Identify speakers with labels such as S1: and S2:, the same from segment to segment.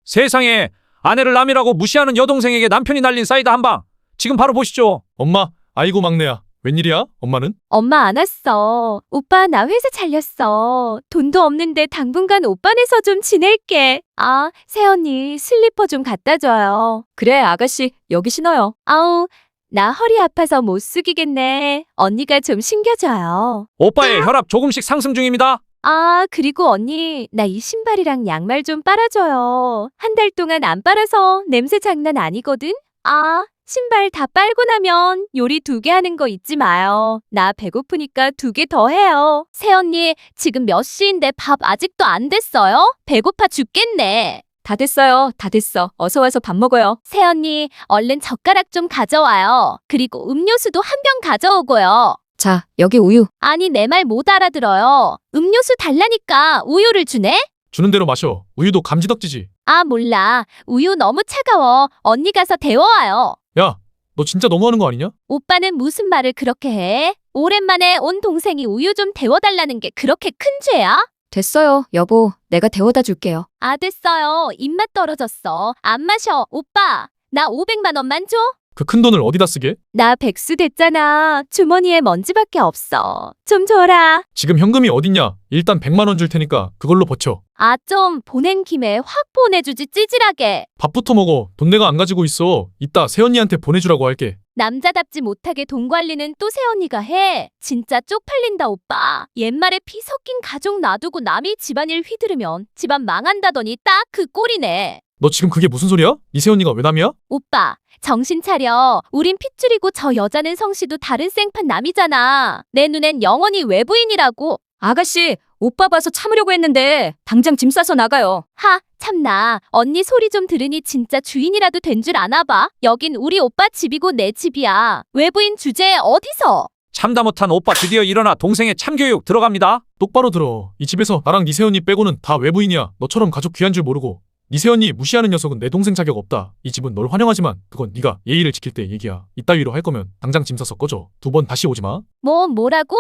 S1: 세상에, 아내를 남이라고 무시하는 여동생에게 남편이 날린 사이다 한 방. 지금 바로 보시죠.
S2: 엄마, 아이고 막내야. 웬일이야? 엄마는?
S3: 엄마 안 왔어. 오빠 나 회사 잘렸어. 돈도 없는데 당분간 오빠네서 좀 지낼게. 아, 새언니 슬리퍼 좀 갖다 줘요. 그래 아가씨 여기 신어요. 아우 나 허리 아파서 못 숙이겠네. 언니가 좀 신겨줘요.
S1: 오빠의 혈압 조금씩 상승 중입니다.
S3: 아 그리고 언니 나 이 신발이랑 양말 좀 빨아줘요. 한 달 동안 안 빨아서 냄새 장난 아니거든. 아 신발 다 빨고 나면 요리 2개 하는 거 잊지 마요. 나 배고프니까 2개 더 해요. 새언니 지금 몇 시인데 밥 아직도 안 됐어요? 배고파 죽겠네. 다 됐어요. 다 됐어. 어서 와서 밥 먹어요. 새언니 얼른 젓가락 좀 가져와요. 그리고 음료수도 한 병 가져오고요. 자, 여기 우유. 아니 내 말 못 알아들어요. 음료수 달라니까 우유를 주네?
S2: 주는 대로 마셔. 우유도 감지덕지지.
S3: 아 몰라. 우유 너무 차가워. 언니 가서 데워와요.
S2: 야, 너 진짜 너무하는 거 아니냐?
S3: 오빠는 무슨 말을 그렇게 해? 오랜만에 온 동생이 우유 좀 데워달라는 게 그렇게 큰 죄야? 됐어요, 여보. 내가 데워다 줄게요. 아, 됐어요. 입맛 떨어졌어. 안 마셔. 오빠, 나 500만 원만 줘.
S2: 그 큰 돈을 어디다 쓰게?
S3: 나 백수 됐잖아. 주머니에 먼지밖에 없어. 좀 줘라.
S2: 지금 현금이 어딨냐? 일단 100만 원 줄 테니까 그걸로 버텨.
S3: 아, 좀 보낸 김에 확 보내주지 찌질하게.
S2: 밥부터 먹어. 돈 내가 안 가지고 있어. 이따 새언니한테 보내주라고 할게.
S3: 남자답지 못하게 돈 관리는 또 새언니가 해. 진짜 쪽팔린다 오빠. 옛말에 피 섞인 가족 놔두고 남이 집안일 휘두르면 집안 망한다더니 딱 그 꼴이네.
S2: 너 지금 그게 무슨 소리야? 네 새언니가 왜 남이야?
S3: 오빠 정신 차려. 우린 핏줄이고 저 여자는 성씨도 다른 생판 남이잖아. 내 눈엔 영원히 외부인이라고. 아가씨 오빠 봐서 참으려고 했는데 당장 짐 싸서 나가요. 하 참나. 언니 소리 좀 들으니 진짜 주인이라도 된 줄 아나 봐. 여긴 우리 오빠 집이고 내 집이야. 외부인 주제에 어디서.
S1: 참다 못한 오빠 드디어 일어나 동생의 참교육 들어갑니다.
S2: 똑바로 들어. 이 집에서 나랑 네 새언니 빼고는 다 외부인이야. 너처럼 가족 귀한 줄 모르고. 네 새언니 무시하는 녀석은 내 동생 자격 없다. 이 집은 널 환영하지만 그건 네가 예의를 지킬 때 얘기야. 이따위로 할 거면 당장 짐 싸서 꺼져. 2번 다시 오지 마.
S3: 뭐라고?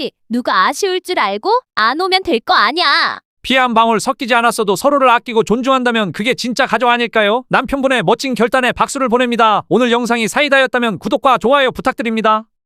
S3: 누가 아쉬울 줄 알고? 안 오면 될 거 아니야.
S1: 피 한 방울 섞이지 않았어도 서로를 아끼고 존중한다면 그게 진짜 가족 아닐까요? 남편분의 멋진 결단에 박수를 보냅니다. 오늘 영상이 사이다였다면 구독과 좋아요 부탁드립니다.